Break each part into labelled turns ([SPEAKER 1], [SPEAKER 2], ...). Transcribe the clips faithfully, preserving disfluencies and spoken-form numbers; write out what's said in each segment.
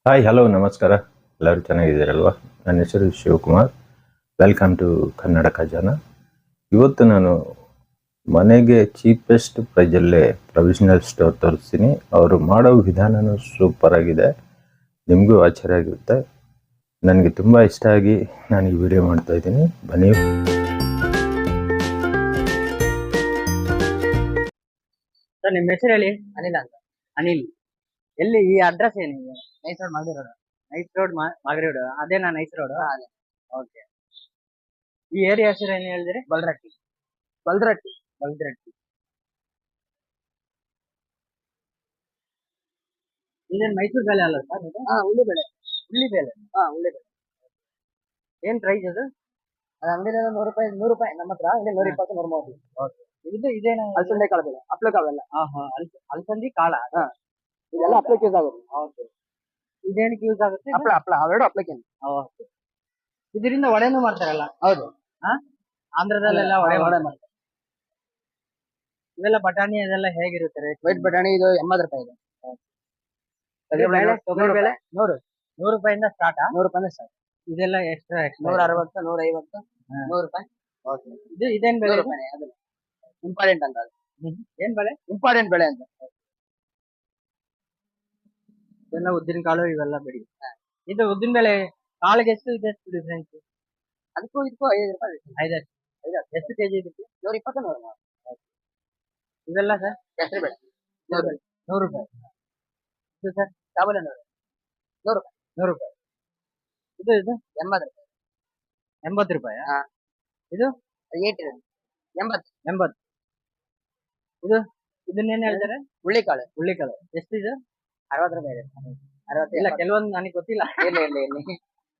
[SPEAKER 1] Hi hello ನಮಸ್ಕಾರ. ಎಲ್ಲರೂ ಚೆನ್ನಾಗಿದ್ದೀರಲ್ವಾ? ನನ್ನ ಹೆಸರು ಶಿವಕುಮಾರ್. Welcome to Kannada Khajana. ಇವತ್ತು ನಾನು ಮನೆಗೆ ಚೀಪೆಸ್ಟ್ ಪ್ರೈಸಲ್ಲೇ ಪ್ರೊವಿಷನಲ್ ಸ್ಟೋರ್ ತೋರಿಸ್ತೀನಿ. ಅವರು ಮಾಡೋ ವಿಧಾನವೂ ಸೂಪರ್ ಆಗಿದೆ, ನಿಮಗೂ ಆಶ್ಚರ್ಯ ಆಗಿರುತ್ತೆ. ನನಗೆ ತುಂಬ ಇಷ್ಟ ಆಗಿ ನಾನು ಈ ವಿಡಿಯೋ ಮಾಡ್ತಾ ಇದ್ದೀನಿ. ಬನ್ನಿ.
[SPEAKER 2] ಸರ್ ನಿಮ್ಮ ಹೆಸರು ಹೇಳಿ. ಅನಿಲ್ ಅಂತ. ಅನಿಲ್, ಎಲ್ಲಿ ಈ ಅಡ್ರೆಸ್ ಏನು? Nice road Magadi road. Nice road Magadi road ಅದೇನಾ? Nice road. ಓಕೆ. ಈ ಏರಿಯಾ ಹೆಸರು ಏನು ಹೇಳಿದ್ರಿ? ಬಲ್ರಟ್ಟಿ. ಬಲ್ರಟ್ಟಿ ಬಲ್ರಟ್ಟಿ ಇದೇನು ಮೈಸೂರು ಬೆಲೆ ಅಲ್ಲ ಸರ್ ಇದು? ಹಾ, ಉಳ್ಳಿ ಬೆಳೆ. ಉಳ್ಳಿ ಬೆಲೆ. ಹಾ, ಉಳ್ಳಿ ಬೆಳೆ. ಏನ್ ಪ್ರೈಸ್ ಅದು? ಅದು ಅಂಗಡಿ ನೂರು ರೂಪಾಯಿ. ನೂರು ರೂಪಾಯಿ ನಮ್ಮ ಹತ್ರ ಅಂಗಡಿ ನೂರ ಇಪ್ಪತ್ತು ನೂರ ಮೂವತ್ತು. ಓಕೆ. ಇದು ಇದೇನು? ಅಲಸಂದೆ ಕಾಳು ಬೆಳೆ. ಹಪ್ಳ ಕಾವೆಲ್ಲ. ಹಾ ಹಾ ಅಲಸಂದಿ ಕಾಳ. ಹಾ, ಇದೆಲ್ಲ ಹಪ್ಳಕ್ಕೆ ಯೂಸ್ ಆಗುತ್ತೆ. ಓಕೆ. ಇದೇನಕ್ಕೆ ಯೂಸ್ ಆಗುತ್ತೆ? ಹಪ್ಳ ಹಪ್ಳ ಅವೆರಡು ಹಪ್ಳಕ್ಕೆ. ಓಕೆ. ಇದರಿಂದ ವಡೆನೂ ಮಾಡ್ತಾರಲ್ಲ? ಹೌದು. ಹಾ, ಆಂಧ್ರದಲ್ಲೆಲ್ಲ ವಡೆ ವಡೆ ಮಾಡ್ತಾರೆ. ಇವೆಲ್ಲ ಬಟಾಣಿ ಅದೆಲ್ಲ ಹೇಗಿರುತ್ತೆ? ವೈಟ್ ಬಟಾಣಿ ಇದು ಎಂಬತ್ತು ರೂಪಾಯಿ ಇದೆ. ತೊಗರಿ ಬೇಳೆ ನೂರು ನೂರು ರೂಪಾಯಿಂದ ಸ್ಟಾರ್ಟ್. ನೂರು ರೂಪಾಯಿಂದ ಸ್ಟಾರ್ಟ್. ಇದೆಲ್ಲ ಎಕ್ಸ್ಟ್ರಾ ಎಕ್ಸ್ಟ್ರಾ ನೂರ ಅರವತ್ತು ನೂರ ಐವತ್ತು ನೂರು ರೂಪಾಯಿ. ಓಕೆ. ಇದು ಇದೇನ್ ಬೆಳೆ? ಅದು ಇಂಪಾರ್ಟೆಂಟ್ ಅಂತ. ಅದು ಏನ್ ಬೆಳೆ? ಇಂಪಾರ್ಟೆಂಟ್ ಬೆಳೆ ಅಂತ. ಇದೆಲ್ಲ ಉದ್ದಿನ ಕಾಳು ಇವೆಲ್ಲ ಬೆಳಿ. ಇದು ಉದ್ದಿನ ಬೆಳೆ ಕಾಳಿಗೆ ಎಷ್ಟು ಇದೆ? ಎಷ್ಟು ಡಿಫ್ರೆನ್ಸ್? ಅದಕ್ಕೂ ಇದಕ್ಕೂ ಐದು ರೂಪಾಯಿ. ಐದಷ್ಟು ಐದಷ್ಟು ಎಷ್ಟು ಕೆಜಿ ಇದಕ್ಕೆ? ನೂರ ಇಪ್ಪತ್ತು ನೂರ ಮೂವತ್ತು. ಇವೆಲ್ಲ ಸರ್ ಹೆಸರು ಬೆಳೆ ನೂರು ನೂರು ರೂಪಾಯಿ. ಇದು ಸರ್ ಕಾಬೂಲಿ ನೂರು ನೂರು ರೂಪಾಯಿ. ನೂರು ರೂಪಾಯಿ. ಇದು ಇದು ಎಂಬತ್ತು ರೂಪಾಯಿ. ಎಂಬತ್ತು ರೂಪಾಯಿ. ಹಾ. ಇದು ಏಟ್ ಎಂಬತ್ತು ಎಂಬತ್ತು. ಇದು ಇದನ್ನೇನು ಹೇಳ್ತಾರೆ? ಹುಳ್ಳಿಕಾಳು. ಹುಳ್ಳಿಕಾಳು ಎಷ್ಟು ಇದು? ಅರವತ್ತು ರೂಪಾಯಿ ಇದೆ. ಅರವತ್ತು ಇಲ್ಲ, ಕೆಲವೊಂದು ನನಗೆ ಗೊತ್ತಿಲ್ಲ. ಇಲ್ಲ ಇಲ್ಲ ಇಲ್ಲ.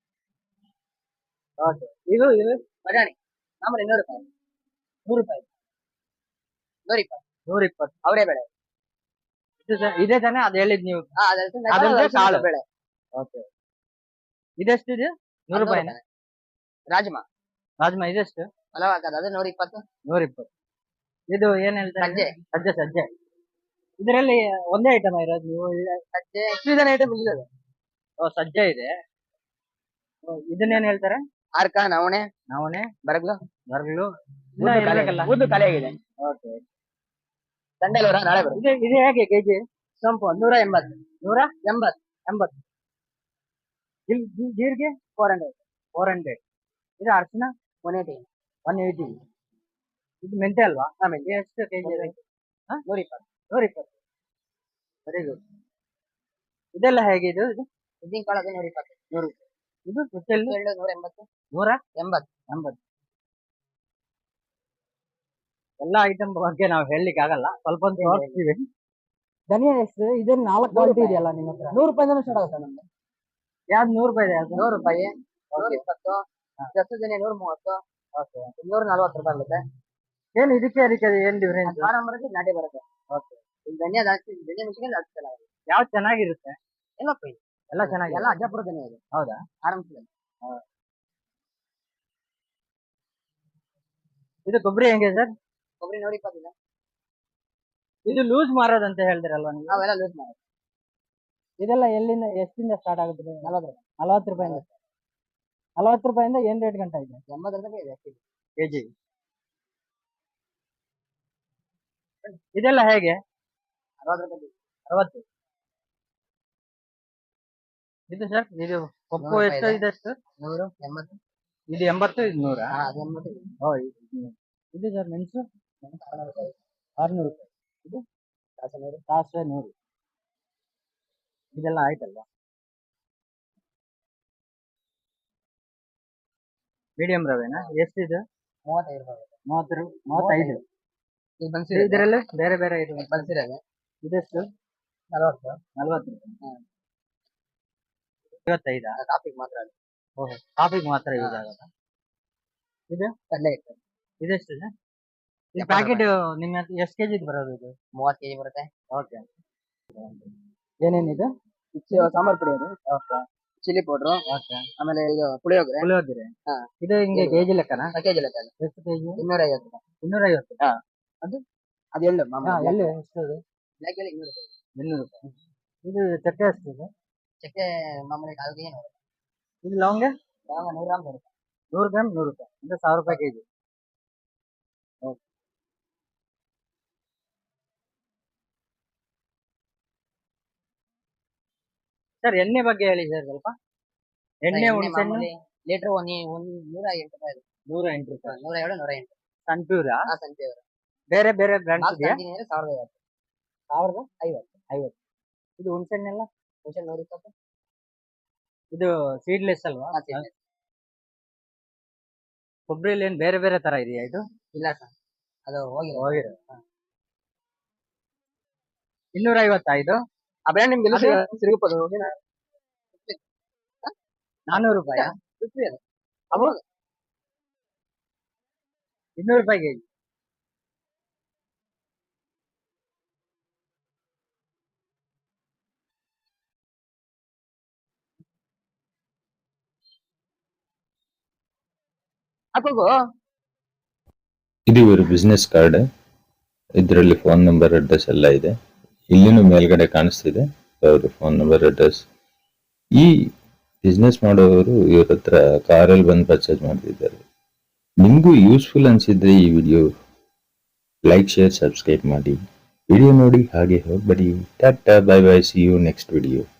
[SPEAKER 2] ಓಕೆ. ಇದು ಇದು ಬಟಾಣಿ ಮಾಮೂಲಿ ನೂರು ರೂಪಾಯಿ. ನೂರು ರೂಪಾಯಿ. ನೂರ ಇಪ್ಪತ್ತು ನೂರ ಇಪ್ಪತ್ತು ಅವರೇ ಬೆಳೆ. ಇದು ಸರ್ ಇದೇ ತಾನೇ ಅದು ಹೇಳಿದ್ ನೀವು? ಅದೊಂದೇ ಕಾಳು ಬೆಳೆ. ಓಕೆ. ಇದೆಷ್ಟಿದೆ? ನೂರು ರೂಪಾಯಿ. ರಾಜ್ಮಾ ರಾಜ್ಮಾ ಇದೆಷ್ಟು? ಪಲಾವ್ ಹಾಕೋದು ಅದು ನೂರ ಇಪ್ಪತ್ತು ನೂರ ಇಪ್ಪತ್ತು. ಇದು ಏನ್ ಹೇಳ್ತಾರೆ? ಸಜ್ಜೆ ಸಜ್ಜೆ ಸಜ್ಜೆ. ಇದರಲ್ಲಿ ಒಂದೇ ಐಟಮ್ ಇರೋದು ನೀವು? ಸಜ್ಜೆ ಎಷ್ಟು ಐಟಮ್ ಇದೆ? ಓ, ಸಜ್ಜೆ ಇದೆ. ಇದನ್ನೇನ್ ಹೇಳ್ತಾರೆ? ಆರ್ಕ ನವಣೆ ನವಣೆ ಬರಗ್ಲು ಬರಗ್ಲು ಉದ್ದು ಖಾಲಿ ಆಗಿದೆ. ಓಕೆ. ಸಂಡೆಲೂರ ನಾಳೆ ಬರುತ್ತೆ. ಇದು ಇದು ಹೇಗೆ ಕೆಜಿ? ಸೊಂಪು ನೂರ ಎಂಬತ್ತು ನೂರ ಎಂಬತ್ತು ಎಂಬತ್ತು. ಜೀರಿಗೆ ಫೋರ್ ಹಂಡ್ರೆಡ್ ಫೋರ್ ಹಂಡ್ರೆಡ್. ಇದು ಅರ್ಶಿನ ಒನ್ ಏಯ್ಟಿ ಒನ್ ಏಯ್ಟಿ. ಇದು ಮೆಂತೆ ಅಲ್ವಾ? ಹಾ, ಮೆಂತೆ ಎಷ್ಟು ಕೆಜಿ ಇದೆ? ನೂರ ಇಪ್ಪತ್ತು ನೂರ ಇಪ್ಪತ್ತು. Very good. ಇದೆಲ್ಲ ಹೇಗೆ? ಇದು ಇದು ಉದ್ದಿನ ಕಾಳು ಅದು ನೂರ ಇಪ್ಪತ್ತು ನೂರು. ಇದು ಕುಚ್ಚೆಳ್ಳು ನೂರ ಎಂಬತ್ತು ನೂರ ಎಂಬತ್ತು ಎಂಬತ್ತು. ಎಲ್ಲಾ ಐಟಮ್ ಬಗ್ಗೆ ನಾವು ಹೇಳಲಿಕ್ಕೆ ಆಗಲ್ಲ, ಸ್ವಲ್ಪ ಒಂದು ತೋರಿಸ್ತೀವಿ. ಧನಿಯಾ ಎಷ್ಟು? ಇದೇನು ನಾಲ್ಕು ಕ್ವಾಲಿಟಿ ಇದೆಯಲ್ಲ ನಿಮ್ಮ ಹತ್ರ? ನೂರು ರೂಪಾಯಿಂದ ಸ್ಟಾರ್ಟ್ ಆಗುತ್ತೆ ನಮ್ದು. ಯಾವ್ದು ನೂರು ರೂಪಾಯಿ ಇದೆ? ಯಾವ್ದು? ನೂರು ರೂಪಾಯಿ ನೂರ ಇಪ್ಪತ್ತು. ಜಾಸ್ತಿ ಧನಿಯಾ ನೂರ ಮೂವತ್ತು. ಓಕೆ. ನೂರ ನಲ್ವತ್ತು ರೂಪಾಯಿ ಆಗುತ್ತೆ. ಏನು ಇದಕ್ಕೆ ಅದಕ್ಕೆ ಏನ್ ಡಿಫರೆನ್ಸ್? ಫಾರಂ ಬರುತ್ತೆ, ನಾಟಿ ಬರುತ್ತೆ. ಓಕೆ. ಧನಿಯಾ ಜಾಸ್ತಿ, ಧನಿಯಾ ಮೆಣಸಿನ ಜಾಸ್ತಿ ಚೆನ್ನಾಗಿದೆ. ಯಾವ್ದು ಚೆನ್ನಾಗಿರುತ್ತೆ? ಎಲ್ಲ ಫ್ರೈ ಎಲ್ಲ ಚೆನ್ನಾಗಿ. ಎಲ್ಲ ಅಜ್ಜಪುರ ಧನಿಯಾ ಇದೆ. ಹೌದಾ? ಆರಾಮ್ಸಿದೆ. ಇದು ಕೊಬ್ಬರಿ ಹೆಂಗೆ ಸರ್? ಕೊಬ್ಬರಿ ನೂರ ಇಪ್ಪತ್ತಿದೆ. ಇದು ಲೂಸ್ ಮಾರೋದಂತ ಹೇಳ್ತಿರಲ್ವಾ ನೀವು? ಅವೆಲ್ಲ ಲೂಸ್ ಮಾರೋದು. ಇದೆಲ್ಲ ಎಲ್ಲಿಂದ ಎಷ್ಟಿಂದ ಸ್ಟಾರ್ಟ್ ಆಗುತ್ತೆ? ನಲವತ್ತು ರೂಪಾಯಿ ನಲವತ್ತು ರೂಪಾಯಿಂದ ನಲವತ್ತು ರೂಪಾಯಿಂದ ಏನ್ ರೇಟ್ ಗಂಟ ಇದೆ? ಎಂಬತ್ತು ರೂಪಾಯಿ ಇದೆ ಕೆಜಿ. ಇದೆಲ್ಲ ಹೇಗೆ? ಅರವತ್ತು ರೂಪಾಯಿ ಅರವತ್ತು. ಇದು ಸರ್ ಇದು ಪಪ್ಪು ಎಷ್ಟು ಇದೆ? ಎಷ್ಟು? ನೂರು ಎಂಬತ್ತು. ಇದು ಎಂಬತ್ತು ಇದು ನೂರ ಎಂಬತ್ತು. ಓ, ಇದು ಸರ್ ಮೆಣಸು ಆರ್ನೂರು ರೂಪಾಯಿ. ಇದು ಸಾಸಿವೆ ಸಾಸಿವೆ ನೂರು. ಇದೆಲ್ಲ ಆಯ್ತಲ್ವಾ? ಮೀಡಿಯಂ ರವೆನಾ? ಎಷ್ಟಿದೆ? ಮೂವತ್ತೈದು ರೂಪಾಯಿ. ಮೂವತ್ತು ಮೂವತ್ತೈದು. ಇದರಲ್ಲಿ ಬೇರೆ ಬೇರೆ ಇದು ಬನ್ಸಿರವೆ. ಇದೆಷ್ಟು? ನಲವತ್ತು ನಲವತ್ತು. ಐವತ್ತೈದ? ಕಾಫಿಗೆ ಮಾತ್ರ. ಓಹೋ, ಕಾಫಿಗೆ ಮಾತ್ರ ಯೂಸ್ ಆಗುತ್ತಾ? ಇದು ಕಡಲೆ ಹಿಟ್ಟು. ಇದೆಷ್ಟು? ಈ ಪ್ಯಾಕೆಟ್ ನಿಮ್ಮ ಎಷ್ಟು ಕೆಜಿ ಬರೋದು? ಇದು ಮೂವತ್ತು ಕೆಜಿ ಬರುತ್ತೆ. ಓಕೆ. ಏನೇನಿದೆ? ಸಾಂಬಾರ್ ಪುಡಿ ಅದು. ಓಕೆ. Chilli powder. ಓಕೆ. ಆಮೇಲೆ ಇದು ಪುಳಿಯೋಗರೆ. ಪುಳಿಯೋಗರೆ. ಹಾ. ಇದು ಹಿಂಗೆ ಕೆಜಿ ಲೆಕ್ಕನಾ? ಕೆಜಿ ಲೆಕ್ಕ. ಎಷ್ಟು ಕೆಜಿ? ಇನ್ನೂರ ಐವತ್ತು ರೂಪಾಯಿ. ಇನ್ನೂರ ಐವತ್ತು. ಹಾ. ಅದು ಅದು ಎಳ್ಳು ಮಾಮೂಲಿ. ಎಳ್ಳು ಎಷ್ಟು? ಅದು ಬ್ಲ್ಯಾಕ್ ಎಳ್ಳು ಇನ್ನೂರು ರೂಪಾಯಿ. ಇನ್ನೂರು ರೂಪಾಯಿ. ಇದು ಚಕ್ಕೆ ಎಷ್ಟು ಇದೆ? ಚಕ್ಕೆ ಮಾಮೂಲಿ ಕಾಲ್ಗೆ ಏನು ಇದು ಲವಂಗ ಲವಂಗ ನೂರು ಗ್ರಾಮ್ ಬರುತ್ತೆ ನೂರು ಗ್ರಾಮ್ ನೂರು ರೂಪಾಯಿ ಅಂದ್ರೆ ಸಾವಿರ ರೂಪಾಯಿ ಕೆಜಿ ಓಕೆ ಸರ್ ಎಣ್ಣೆ ಬಗ್ಗೆ ಹೇಳಿ ಸರ್ ಸ್ವಲ್ಪ ಎಣ್ಣೆ ಹುಣಸೆಹಣ್ಣು ಲೀಟರ್ ಒಂದು ನೂರ ಎಂಟು ರೂಪಾಯಿ ನೂರ ಎಂಟು ರೂಪಾಯಿ ನೂರ ಏಳು ನೂರ ಎಂಟು ಸನ್ಪ್ಯೂರ್ ಸನ್ಪ್ಯೂರ್ ಬೇರೆ ಬೇರೆ ಬ್ರ್ಯಾಂಡ್ಸ್ ಇದೆಯಾ ಸಾವಿರದ ಐವತ್ತು ಸಾವಿರದ ಐವತ್ತು ಐವತ್ತು ಇದು ಹುಣಸೆಹಣ್ಣೆಲ್ಲ ಹುಣಸೆಹಣ್ಣು ನೂರ ಇಪ್ಪತ್ತು ಇದು ಸೀಡ್ಲೆಸ್ ಅಲ್ವಾ ಕೊಬ್ಬರಿಯಲ್ಲಿ ಏನ್ ಬೇರೆ ಬೇರೆ ತರ ಇದೆಯಾ ಇದು ಇಲ್ಲ ಸರ್ ಅದು ಹೋಗಿ ಹೋಗಿರೋ ಇನ್ನೂರ ಐವತ್ತಾ ಇದು ಆ ಬ್ರ್ಯಾಂಡ್ ನಿಮ್ಗೆ ಸಿಗುತ್ತದೆ ನಾನ್ನೂರು ರೂಪಾಯಿ ಅವಾಗ ಇನ್ನೂರು ರೂಪಾಯಿ ಕೆಜಿ ಹಾಕೋಗು
[SPEAKER 1] ಇದು ಇವರು ಬಿಸ್ನೆಸ್ ಕಾರ್ಡ್. ಇದರಲ್ಲಿ ಫೋನ್ ನಂಬರ್ ಅಡ್ರೆಸ್ ಎಲ್ಲ ಇದೆ. ಇಲ್ಲಿನೂ ಮೇಲ್ಗಡೆ ಕಾಣಿಸ್ತಿದೆ ಅವ್ರ ಫೋನ್ ನಂಬರ್ ಅಡ್ರೆಸ್. ಈ ಬಿಸ್ನೆಸ್ ಮಾಡೋರು ಇವ್ರ ಹತ್ರ ಕಾರಲ್ಲಿ ಬಂದು ಪರ್ಚೇಸ್ ಮಾಡ್ತಿದ್ದಾರೆ. ನಿಮಗೂ ಯೂಸ್ಫುಲ್ ಅನ್ಸಿದ್ರೆ ಈ ವಿಡಿಯೋ ಲೈಕ್ ಶೇರ್ ಸಬ್ಸ್ಕ್ರೈಬ್ ಮಾಡಿ. ವಿಡಿಯೋ ನೋಡಿ ಹಾಗೆ ಹೋಗ್ಬೇಡಿ. ಟಾಟಾ bye bye, see you next video.